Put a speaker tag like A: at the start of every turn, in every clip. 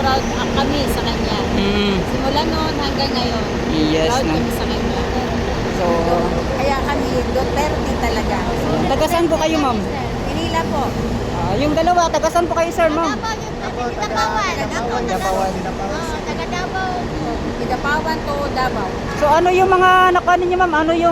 A: proud kami sa kanya. Simula noon hanggang ngayon,
B: Yes,
A: proud
B: no?
A: kami sa kanya.
B: So,
A: Kaya kami, Duterte talaga.
B: taga saan po kayo, ma'am?
A: Manila po.
B: Yung dalawa, taga saan po kayo, sir, ma'am?
A: Dapawan. Taga Davao. Dapawan to Davao.
B: So, ano yung mga nakuha ninyo, ma'am? Ano yung,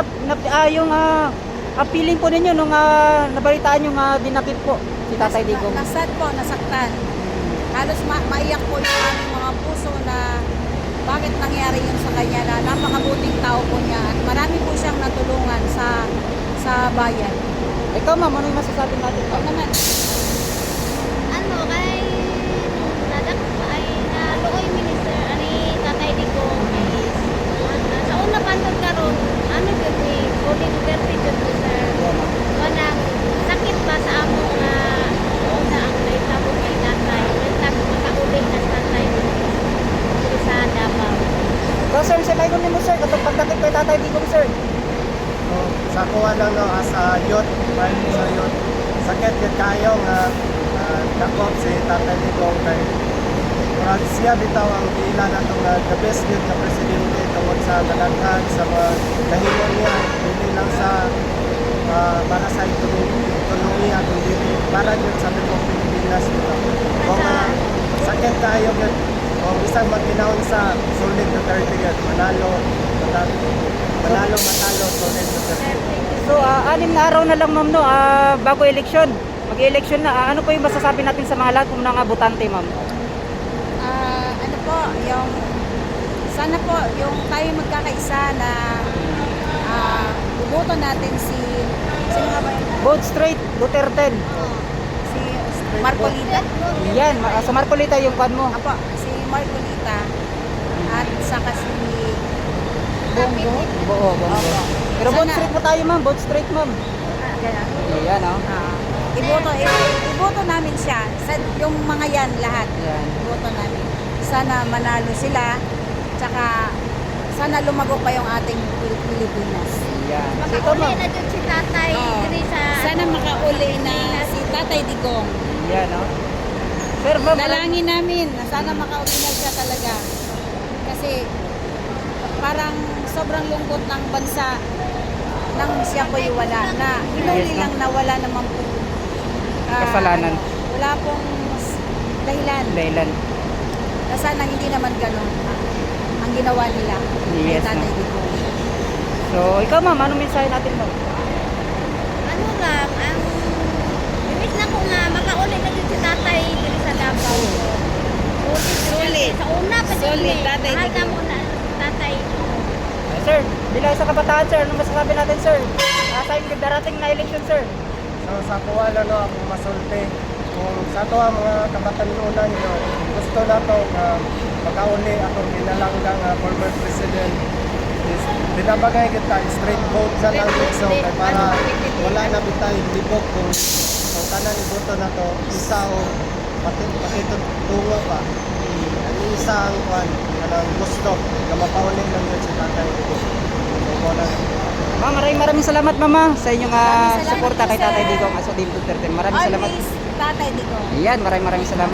B: feeling po ninyo nung nabalitaan yung dinakip po si Tatay Digong?
A: Nasad po, nasaktan. Halos maiyak po yung aming mga puso na bakit nangyari yun sa kanya, na napakabuting tao po niya at marami po siyang natulungan sa bayan.
B: Ikaw, ma'am, ano yung masasabi natin,
A: Ikaw
B: ma'am?
A: naman.
C: Ano kay nadak ay naluoy minister ani Tatay Digong is sa una pantod karon ano gyud ni Odi Duterte gyud ni sir kanang sakit ba sa amo nga una ang naitabo kay tatay nagtag makauli na sa tatay dito sa Davao.
B: So, sir, sa layo mo, sir, katong pagdakip kay Tatay Digong, sir.
D: So, sa kuha lang no, as a youth, right, sa youth, sakit yun kayo nga dakop si Tatay Digong kay murag siya bitaw ang giila na itong the best yun na presidente tungkol sa kadaghan sa mga kahimon niya, hindi lang sa para sa ekonomiya, kundi para yun sa Republic Pilipinas dito. Kung sakit kayo yun, kung isang magkinaon sa sulit na 30 yun, manalo, sulit na 30.
B: So, 6 na araw na lang, ma'am, no, bago eleksyon. Mag-eleksyon na. Ano po yung masasabi natin sa mga lahat ng mga botante, ma'am?
A: Ano po, yung sana po yung tayo magkakaisa na bumoto natin sino nga ba yun?
B: Vote straight, Duterte.
A: Si Marcolita.
B: Yan, sa Marcolita yung kwan mo.
A: Apo, si Marcolita at saka si Bongo.
B: Oo, bongo.
A: Opo.
B: Pero vote
A: Sana-
B: straight po tayo, ma'am. Vote straight, ma'am.
A: Ganun.
B: Yan, oh.
A: Iboto namin siya sa yung mga yan lahat.
B: Yan.
A: Iboto namin. Sana manalo sila. Tsaka sana lumago pa yung ating Pilipinas.
B: Yan. So, ito,
C: Makauli
B: ma'am.
C: na jud si tatay diri sa
A: Sana makauli na si Tatay Digong.
B: Yan, oh. Sir, ma'am.
A: Dalangin namin na sana makauli na siya talaga. Kasi parang sobrang lungkot ng bansa nang siya po'y wala na. Hinuli
B: Yes,
A: lang na wala naman po.
B: Kasalanan.
A: Wala pong dahilan.
B: Dahilan.
A: Na sana hindi naman ganun ang ginawa nila kay
B: Yes,
A: Tatay
B: ma'am.
A: Digong.
B: So, ikaw, ma'am. Anong mensahe natin, ma'am?
C: ano lang ang imbis na ko nga makauli na jud si tatay diri sa Davao.
A: Sulit.
C: Sa una pa jud
A: Sulit,
C: ni.
A: Tatay
C: Mahal na
A: Digong.
C: mo na tatay.
B: Sir, bilang sa kabataan, sir, anong masasabi natin, sir? Sa yung darating na election, sir.
D: So sa kuha lang no, ako masulti. Kung sa to ang mga kabatanunan nyo, gusto na to makauli akong ginalanggang former president is binabagay kita straight vote sa lang so kay para wala na bitay libog kung ang tanan ni boto na to isa o pati tungo pa. Ang isa ang kwan kanang gusto na mapauli lang yun si Tatay Digong. So wala na.
B: Ma'am, maraming salamat, mama, sa inyong
A: Maraming salamat
B: suporta
A: po,
B: kay Tatay
A: sir.
B: Digong as Odile Duterte. Maraming salamat.
A: Always Tatay Digong.
B: Yan, maraming salamat.